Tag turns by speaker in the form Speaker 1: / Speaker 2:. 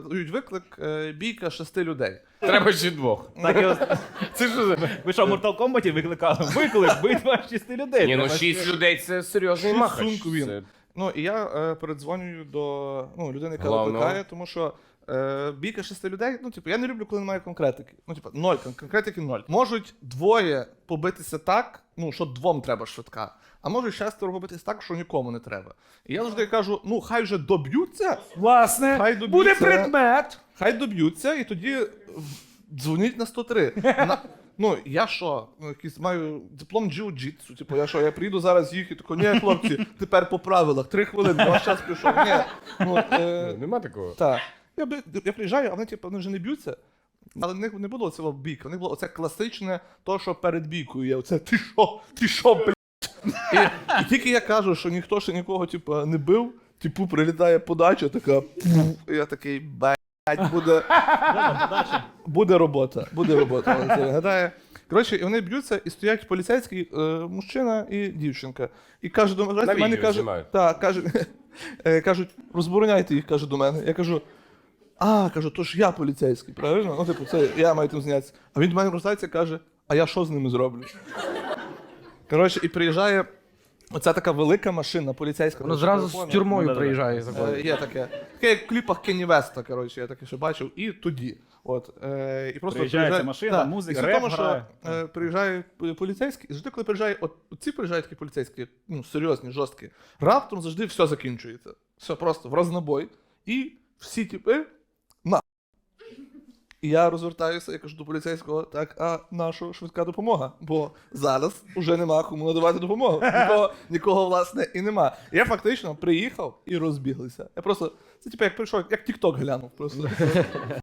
Speaker 1: дають виклик бійка 6 людей.
Speaker 2: Треба ще 2.
Speaker 3: Так і ось.
Speaker 2: Це що?
Speaker 3: Ви що, в Mortal Kombat викликали? Виклик, битва 6 людей.
Speaker 2: Ні, ну
Speaker 3: Треба
Speaker 2: 6 людей це серйозний махач.
Speaker 1: Сумку він.
Speaker 2: Це-
Speaker 1: Ну, і я передзвонюю до людини, яка
Speaker 2: Главного.
Speaker 1: викликає, тому що бійка 6 людей, ну, типу, я не люблю, коли немає конкретики. Ну, типу, 0, конкретики 0. Можуть 2 побитися так, ну, що 2 треба швидка, а можуть 6 побитися так, що нікому не треба. І я завжди кажу, ну, хай вже доб'ються,
Speaker 4: Власне,
Speaker 1: Хай доб'ються.
Speaker 4: буде предмет.
Speaker 1: хай доб'ються, і тоді дзвоніть на 103. Ну, я що, якийсь маю диплом джиу-джитсу, типу, я приїду зараз їх і тако, ні, хлопці, тепер по правилах, 3 хвилини, ваш час пішов. Ні. Ну,
Speaker 2: Нема такого.
Speaker 1: так. Я приїжджаю, а вони, типу, вони вже не б'ються. Але в них не було цього бійки, в них було оце класичне, то, що перед бійкою є. Оце ти що, блядь? І тільки я кажу, що ніхто ще нікого, типу, не бив, типу, прилітає подача, така, і я такий, блядь, буде робота, але це виглядає. Коротше, і вони б'ються, і стоять поліцейський мужчина і дівчинка. І каже до мене,
Speaker 2: відео
Speaker 1: каже,
Speaker 2: знімають.
Speaker 1: кажуть, розбороняйте їх, каже до мене. Я кажу, кажу, то ж я поліцейський, правильно? Ну, типу, це я маю тим зайнятися. А він до мене розвертається і каже, а я що з ними зроблю? Коротше, і приїжджає оця така велика машина поліцейська.
Speaker 4: Ну зразу з тюрмою приїжджає.
Speaker 1: Є таке. Таке як в кліпах Кенні Веста, коротше, я таке ще бачив. І тоді. От, і просто
Speaker 3: Приїжджає ця машина, музика,
Speaker 1: і суть в
Speaker 3: реп
Speaker 1: тому, що
Speaker 3: грає.
Speaker 1: приїжджає поліцейський, і завжди, коли приїжджає, ці приїжджають такі поліцейські, ну, серйозні, жорсткі, раптом завжди все закінчується. Все просто в рознобой. І всі типи на. І я розвертаюся, я кажу до поліцейського, так, а наша швидка допомога? Бо зараз уже нема кому надавати допомогу. Нікого, власне, і нема. Я фактично приїхав і розбіглися. Я просто, це типу як прийшов, як TikTok глянув просто.